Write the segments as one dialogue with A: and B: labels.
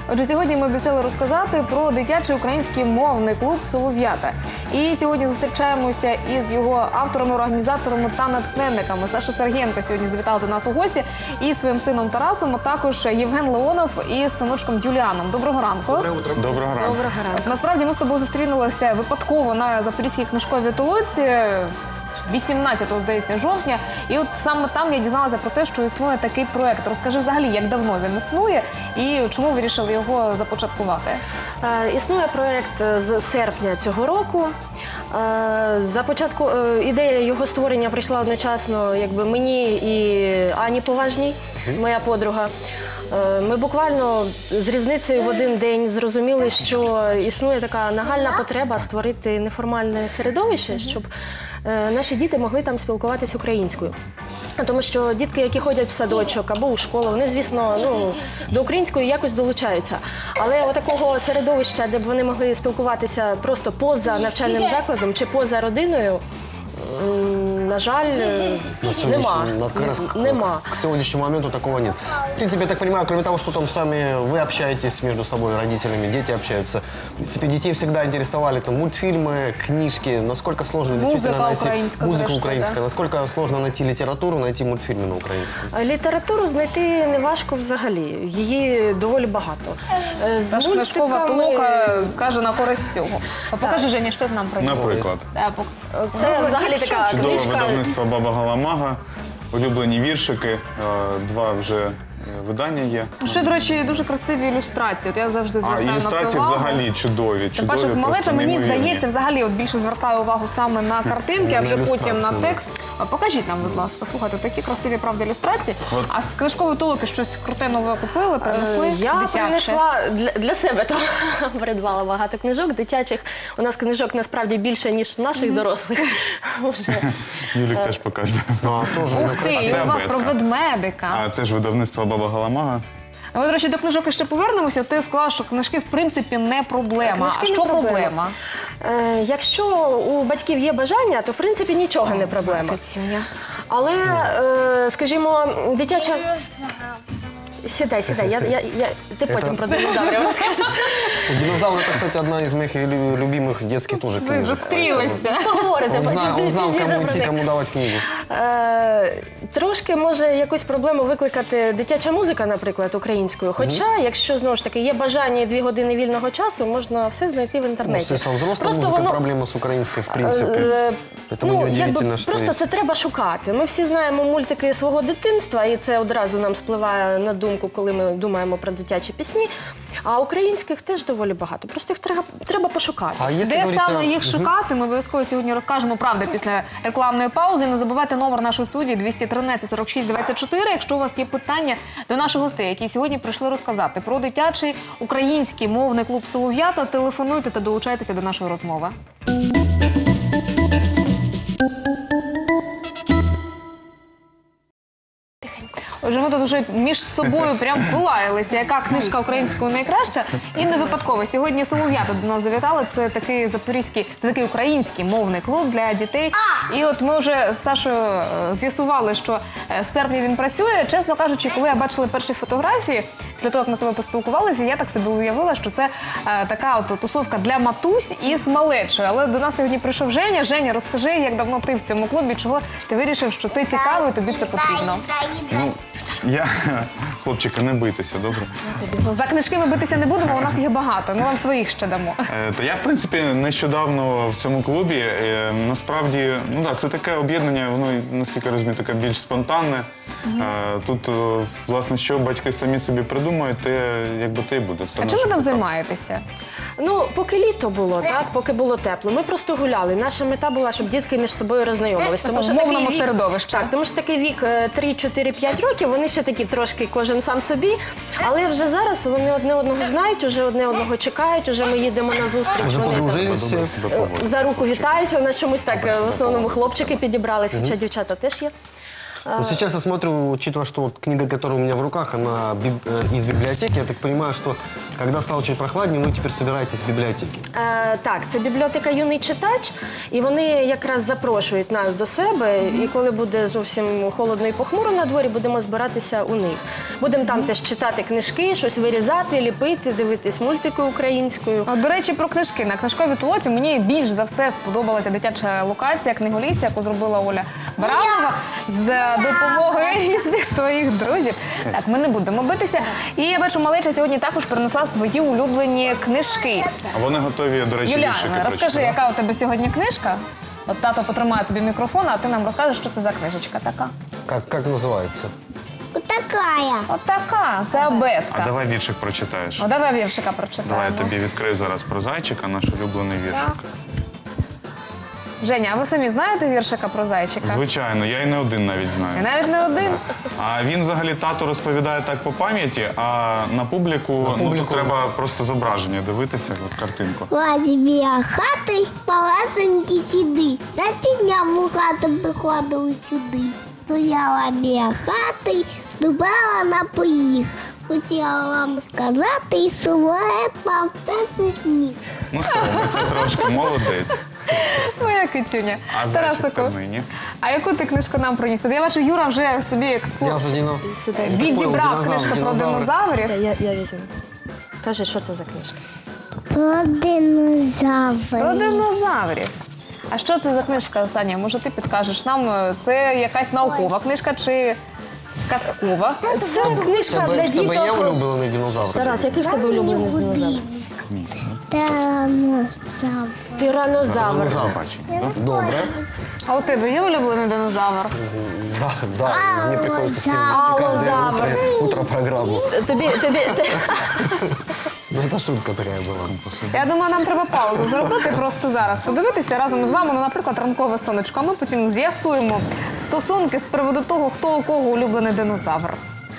A: Отже, сьогодні ми обіцяли розказати про дитячий український мовний клуб «Солов'ята». І сьогодні зустрічаємося із його авторами, організаторами та натхненниками. Саша Сергієнко сьогодні завітала до нас у гості із своїм сином Тарасом, а також Євген Леонов із синочком Юліаном. Доброго ранку.
B: Доброго ранку.
A: Насправді ми з тобою зустрінулися випадково на Запорізькій книжковій толоці 18-го, здається, жовтня. І от саме там я дізналася про те, що існує такий проєкт. Розкажи взагалі, як давно він існує і чому вирішили його започаткувати?
C: Існує проєкт з серпня цього року. Ідея його створення прийшла одночасно мені і Ані Поважній, моя подруга. Ми буквально з різницею в один день зрозуміли, що існує така нагальна потреба створити неформальне середовище, щоб наші діти могли там спілкуватись українською. Тому що дітки, які ходять в садочок або у школу, вони, звісно, до української якось долучаються. Але отакого середовища, де б вони могли спілкуватися просто поза навчальним закладом чи поза родиною, на жаль, нема.
D: К сегодняшнему моменту такого нет. В принципе, я так понимаю, кроме того, что там сами вы общаетесь между собой, родителями, дети общаются. В принципе, детей всегда интересовали там мультфильмы, книжки. Насколько сложно действительно найти музыку украинскую, насколько сложно найти литературу, найти мультфильмы на украинском?
C: Літературу знайти не важко взагалі. Її доволі багато.
A: Та ж книжкова толока каже на користь цього. Покажи, Женя, що ти нам приніс.
B: Наприклад.
C: Це взагалі така
B: Чудове
C: книжка.
B: видавництво «Баба Галамага», улюблені віршики, два вже видання є.
A: Ще, до речі, дуже красиві ілюстрації. От я завжди звертаю на це увагу.
B: Ілюстрації взагалі чудові.
A: Тим паче, малеча, мені здається, взагалі більше звертає увагу саме на картинки, а вже потім на текст. Покажіть нам, будь ласка. Слухайте, такі красиві, правда, ілюстрації. А з книжкової толоки щось круте нове купили, принесли?
C: Я принесла для себе, там придбала багато книжок дитячих. У нас книжок насправді більше, ніж наших дорослих.
B: Юлік теж показує.
A: Ух ти, і у вас про ведмедика.
B: А теж видавництво «Баба Галамага».
A: Ми, до речі, до книжок ще повернемося. Ти сказала, що книжки, в принципі, не проблема. А що проблема?
C: Якщо у батьків є бажання, то, в принципі, нічого не проблема. Але, скажімо, дитяча... Сідай, ти потім про динозаврів розкажеш.
D: Динозавр — это, кстати, одна из моих любимых детских тоже книжек.
A: Ви зустрілися.
C: Поговорите.
D: Он знал, кому идти, кому давать книгу.
C: Трошки може якусь проблему викликати дитяча музика, наприклад, українською. Хоча, якщо, знову ж таки, є бажання і 2 години вільного часу, можна все знайти в інтернеті.
D: Взрослая музыка проблема с украинской, в принципе. Поэтому неудивительно, что
C: просто це треба шукати. Ми всі знаємо мультики свого дитинства, і це одразу нам спливає на думку, коли ми думаємо про дитячі пісні. А українських теж доволі багато. Просто їх треба пошукати.
A: Де саме їх шукати, ми обов'язково сьогодні розкажемо, правда, після рекламної паузи. Не забувайте номер нашої студії 213 46 24, якщо у вас є питання до наших гостей, які сьогодні прийшли розказати про дитячий український мовний клуб «Солов'ята». Телефонуйте та долучайтеся до нашої розмови. Отже, ми тут вже між собою прям полаялися, яка книжка українською найкраща. І не випадково. Сьогодні «Солов'ята» до нас завітали. Це такий запорізький, такий український мовний клуб для дітей. І от ми вже з Сашою з'ясували, що з серпня він працює. Чесно кажучи, коли я бачила перші фотографії, після того, як ми з тобою поспілкувалися, я так собі уявила, що це така от тусовка для матусь із малечою. Але до нас сьогодні прийшов Женя. Женя, розкажи, як давно ти в цьому клубі, чого ти вирішив, що це цікаво і тобі це потрібно?
B: Хлопчика, не бийтеся, добре?
A: За книжки ми битися не будемо, у нас їх багато, ми вам своїх ще дамо.
B: Я, в принципі, нещодавно в цьому клубі. Насправді, це таке об'єднання, воно, наскільки я розумію, таке більш спонтанне. Тут, власне, що батьки самі собі придумають, те й буде.
A: А чим ви там займаєтеся?
C: Поки літо було, поки було тепло, ми просто гуляли. Наша мета була, щоб дітки між собою роззнайомились.
A: В мовному середовищі.
C: Так, тому що такий вік 3-4-5 років, вони ще такі трошки кожен сам собі. Але вже зараз вони одне одного знають, вже одне одного чекають, вже ми їдемо на зустріч.
D: Вже подружилися.
C: За руку вітаються, у нас чомусь так в основному хлопчики підібрались, хоча дівчата теж є.
D: Сейчас я смотрю, учитывая, что книга, которая у меня в руках, она из библиотеки, я так понимаю, что Когда стало чуть прохладнее, вы теперь собираетесь в библиотеке.
C: Так, це бібліотека «Юний читач», і вони якраз запрошують нас до себе, і коли буде зовсім холодно і похмуро на дворі, будемо збиратися у них. Будемо там теж читати книжки, щось вирізати, ліпити, дивитись мультики українською.
A: До речі, про книжки. На книжковій толоці мені більш за все сподобалася дитяча локація книголісся, яку зробила Оля Баранова з допомогою різних своїх друзів. Так, ми не будемо битися. І я бачу, малеча сьогодні також принесла свої улюблені книжки.
B: А вони готові, до речі,
A: Юліана,
B: віршики
A: розкажи,
B: прочитати.
A: яка у тебе сьогодні книжка? От тато потримає тобі мікрофон, а ти нам розкажеш, що це за книжечка така.
D: Как называется?
E: Вот такая.
A: От така, це абетка.
B: А давай віршик прочитаєш.
A: О, давай віршика
B: Давай
A: прочитаємо.
B: я тобі відкрию зараз про зайчика, наш улюблений віршик.
A: Женя, а ви самі знаєте віршика про зайчика?
B: Звичайно, я і не один навіть
A: І
B: знаю.
A: навіть не один.
B: А він взагалі тато розповідає так по пам'яті, а на публіку, ну, тут треба просто зображення дивитися, от картинку.
E: Лазі біля хати, малесенькі сіди. За тіняв у хату приходили сюди. Стояла біля хати, ступала на поріг. Хотіла вам сказати, і сулепав те сніг.
B: Ну, соромиться трошки, молодець.
A: Моя кицюня.
B: А зайчик
A: Тарасику,
B: то нині.
A: а яку ти книжку нам приніс? От я бачу, Юра вже собі
D: Я
A: експлуат
D: уже не...
A: відібрав
D: Динозавр,
A: книжку про
D: динозавр.
A: динозаврів.
C: Я візьму. Кажи, що це за книжка?
E: Про динозаврів.
A: Про динозаврів. А що це за книжка, Саня? Може, ти підкажеш нам? Це якась наукова книжка чи казкова?
C: Це книжка для
D: В тебе є
C: діток.
D: улюблений динозавр?
C: Тарас, який в тебе улюблений динозавр?
E: Тиранозавр.
C: Тиранозавр.
D: Динозавр. Добре.
A: А у тебе є улюблений динозавр?
D: Да, мне приходится с ним вести каждое
C: Аллозавр.
D: утро программу.
C: Тобі
D: Ну, это шутка такая была.
A: Я думаю, нам треба паузу зробити просто зараз. Подивитися разом із вами, ну, наприклад, ранкове сонечко. А ми потім з'ясуємо стосунки з приводу того, хто у кого улюблений динозавр.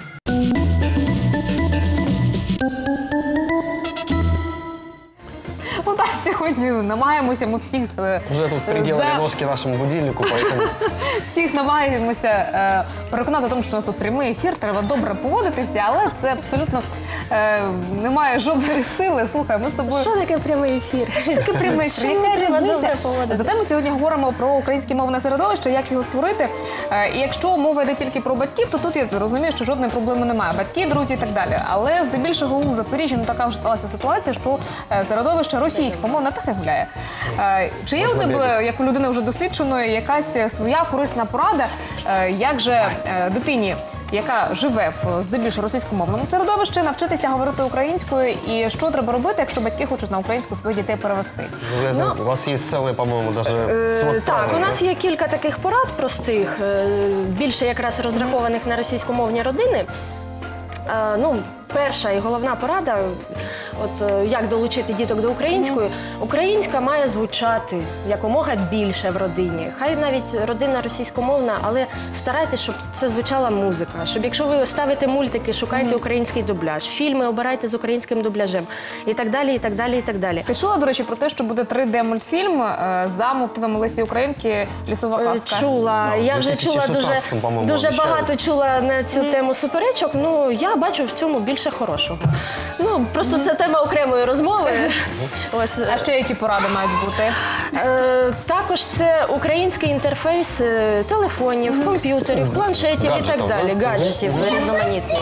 A: Ну так, сьогодні намагаємося ми всіх
D: Уже тут приделали ножки нашему будильнику, поэтому...
A: всіх намагаємося переконати в тому, що у нас тут прямий ефір, треба добре поводитися, але це абсолютно не має жодної сили. Слухай, ми з тобою...
C: Що таке прямий ефір?
A: Що таке прямий ефір?
C: Чому
A: Яка
C: треба
A: різниця?
C: добре поводитися?
A: Зате ми сьогодні говоримо про українське мовне середовище, як його створити. І якщо мова йде тільки про батьків, то тут я розумію, що жодної проблеми немає. Батьки, друзі і так далі. Але здебільшого у Запоріжжі ну, така вже сталася ситуація, що середовище російськомовне так і гуляє. Чи є у тебе, як у людини вже досвідченої, якась своя корисна порада, як же дитині, яка живе в здебільшого російськомовному середовищі, навчитися говорити українською, і що треба робити, якщо батьки хочуть на українську своїх дітей перевести?
D: У вас есть целый, по-моему, даже свод
C: Так,
D: правил,
C: у нас є кілька таких порад простих, більше якраз розрахованих на російськомовні родини. Ну, перша і головна порада, от як долучити діток до української. Українська має звучати якомога більше в родині. Хай навіть родина російськомовна, але старайтесь, щоб це звучала музика. Щоб якщо ви ставите мультики, шукайте український дубляж, фільми обирайте з українським дубляжем і так далі, і так далі, і так далі.
A: Ти чула, до речі, про те, що буде 3D-мультфільм за мотивами Лесі Українки «Лісова казка»?
C: Чула.
D: Да,
C: Я
D: в
C: вже чула
D: 2016, по-моєму,
C: дуже
D: обіцяли.
C: багато чула на цю тему суперечок. Ну, я бачу в цьому більше хорошого. Ну, просто це тема окремої розмови. Ось.
A: А ще які поради мають бути?
C: Також це український інтерфейс телефонів, комп'ютерів, планшетів і
D: Гаджетів,
C: так далі.
D: да?
C: Гаджетів різноманітних.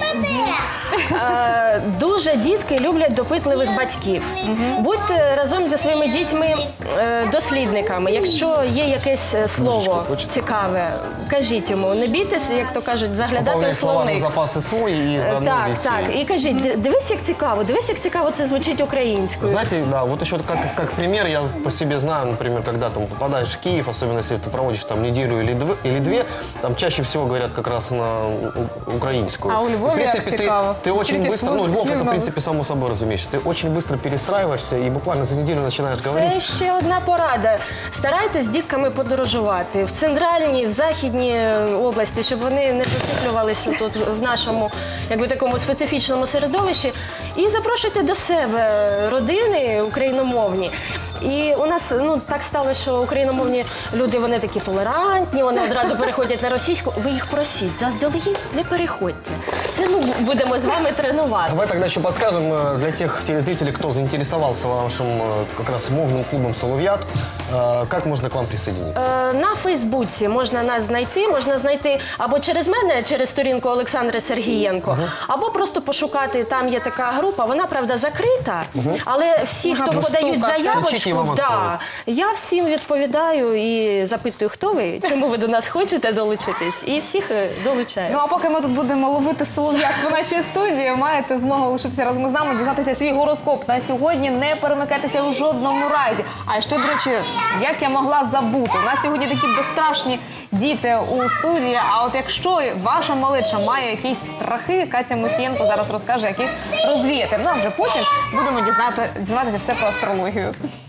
C: Дуже дітки люблять допитливих батьків. Будьте разом зі своїми дітьми дослідниками. Якщо є якесь слово цікаве, кажіть йому. Не бійтесь, як то кажуть, заглядати у
D: Пополняй словарный
C: словник.
D: запасы свой и заодно
C: Так,
D: детей.
C: так. І кажіть, дивись, як цікаво це звучить українською.
D: Знаете, да, вот еще как пример, я по себе знаю, например, когда там попадаешь в Киев, особенно если ты проводишь там неделю или две, там чаще всего говорят как раз на украинскую.
A: А у Львове
D: В принципе,
A: как цікаво.
D: ты очень
A: Скільки
D: быстро,
A: слов,
D: ну, Львов это,
A: слів
D: в
A: нових.
D: принципе, само собой разумеется, ты очень быстро перестраиваешься и буквально за неделю начинаешь говорить.
C: Це ще одна порада. Старайтесь з дітками подорожувати в центральній, в західній області, щоб вони не зациклювалися тут в нашому, якби такому специфічному середовищі. І запрошуйте до себе родини україномовні. І у нас так сталося, що україномовні люди, вони такі толерантні, вони одразу переходять на російську. Ви їх просіть, заздалегідь не переходьте. це ми будемо з вами тренувати.
D: Давай тогда еще подскажем для тех телезрителей, кто заинтересовался вашим как раз мовным клубом «Соловьят», как можно к вам присоединиться?
C: На Фейсбуці можна нас знайти або через мене, через сторінку Олександри Сергієнко, або просто пошукати, там є така група, вона, правда, закрита, але всі,
A: Можна
C: хто подають
A: постукати.
D: Включіть, і вам
C: заявочку,
D: відкриють.
C: я всім відповідаю і запитую, хто ви, чому ви до нас хочете долучитись, і всіх долучаю.
A: Ну а поки ми тут будемо ловити солов'ят по нашій студії, маєте змогу лишитися разом з нами, дізнатися свій гороскоп на сьогодні, не перемикайтеся у жодному разі. А ще, до речі, як я могла забути, у нас сьогодні такі безстрашні діти у студії, а от якщо ваша малеча має якісь страхи, Катя Мусієнко зараз розкаже, як їх розвіяти. Ну а вже потім будемо дізнатися все про астрологію.